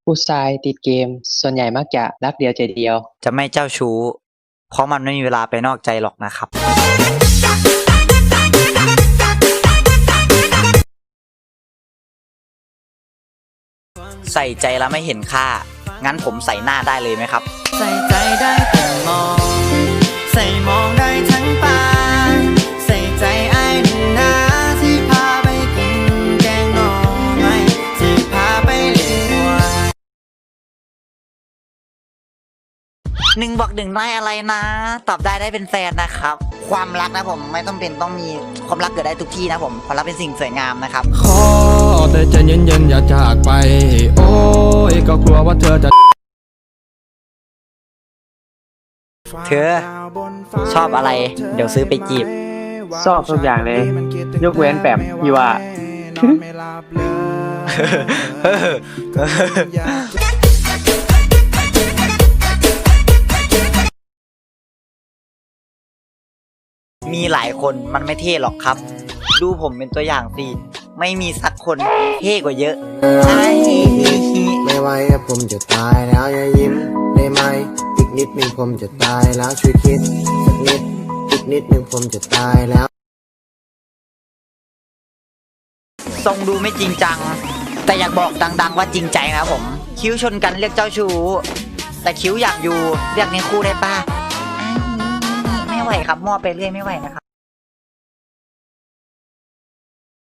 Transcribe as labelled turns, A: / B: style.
A: ผู้ชายติดเกมส่วนใหญ่มักจะรักเดียวใจเดียว
B: จะไม่เจ้าชู้เพราะมันไม่มีเวลาไปนอกใจหรอกนะครับใส่ใจแล้วไม่เห็นค่างั้นผมใส่หน้าได้เลยไหมครับ
C: ใส่ใจได้แต่มองใส่มองได้ทั้งตาใส่ใจไอ้หนึ่งนาที่พาไปกินแกงหน่อไม้ที่พาไปเลี้ยงวัว
B: 1+1ได้อะไรนะตอบได้เป็นแฟนนะครับความรักนะผมไม่ต้องมีความรักเกิดได้ทุกที่นะผมความรักเป็นสิ่งสวยงามนะครับ
D: ขอแต่ใจเย็นๆอย่าจากไปโอ้ยก็กลัวว่าเธอจะ
B: เธอชอบอะไรเดี๋ยวซื้อไปจีบ
A: ชอบทุกอย่างเลย ยกเว้นแปมพี่ว่า
B: มีหลายคนมันไม่เท่หรอกครับดูผมเป็นตัวอย่างสิไม่มีสักคนเท่กว่าเยอะใช่
E: ไม่ไหวผมจะตายแล้วอย่ายิ้มได้ไหมอีกนิดนึงผมจะตายแล้วช่วยคิดสักนิดอีกนิดนึงผมจะตายแล้ว
B: ทรงดูไม่จริงจังแต่อยากบอกดังๆว่าจริงใจนะผมคิ้วชนกันเรียกเจ้าชู้แต่คิ้วอยากอยู่เรียกในคู่ได้ป่ะไม่ไหวครับมั่วไปเรื่อยไม่ไหวนะครับ